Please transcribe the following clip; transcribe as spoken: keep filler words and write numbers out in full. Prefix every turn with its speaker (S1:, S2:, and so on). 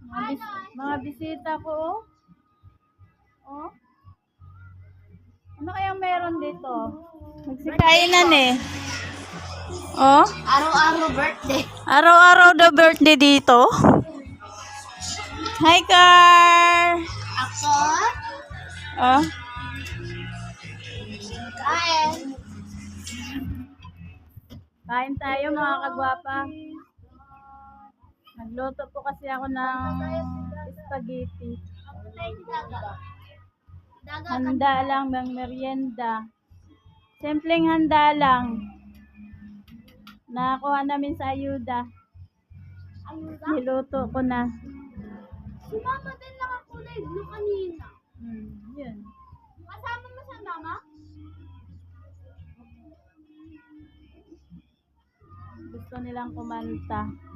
S1: Mga, bis mga bisita ko, oh. Oh. Ano kayang meron dito? Magsikainan eh. Oh?
S2: Araw-araw birthday.
S1: Araw-araw the birthday dito. Hi, Car!
S2: Ako?
S1: Oh?
S2: Kain.
S1: Kain tayo mga kagwapa. Nagluto po kasi ako ng spaghetti. Handa lang ng merienda. Simpleng handa lang. Nakakuha namin sa ayuda.
S2: Ayuda?
S1: Niluto ko na.
S2: Si mama din nakakulay blue kanina.
S1: Hmm, yun.
S2: Kasama mo sa mama?
S1: Gusto nilang kumanta.